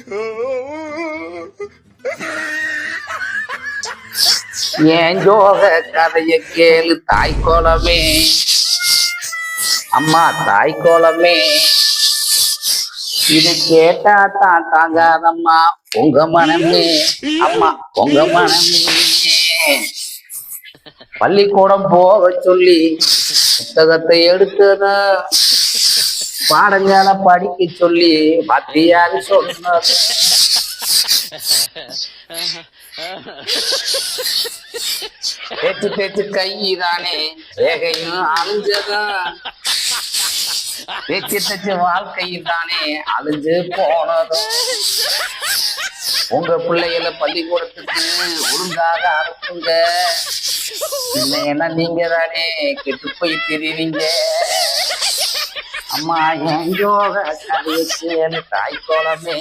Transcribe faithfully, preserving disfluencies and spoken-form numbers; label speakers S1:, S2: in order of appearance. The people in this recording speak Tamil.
S1: ஏன் யோக கதைய கேளு தாய்க்கோலமே, அம்மா தாய்க்கோலமே. இது கேட்டா தான் தாங்காதம்மா உங்க மனமே, அம்மா உங்க மனமே. பள்ளிக்கூடம் போக சொல்லி புத்தகத்தை எடுத்துன, பாடங்களை படிக்க சொல்லி மத்தியாரு சொன்னது. தேச்சு தேச்சு கைதானே வேகையும் அழிஞ்சதும், தேச்சு தேச்சு வாழ்க்கையில் தானே அழிஞ்சு போனதும். உங்க பிள்ளைகளை பள்ளிக்கூடத்துக்கு ஒழுங்காக அனுப்புங்க, இல்லைன்னா நீங்க தானே கெட்டு போய் தெரியுறீங்க. அம்மா என் யோக கதையை கேளு தாய்க்கோலமே.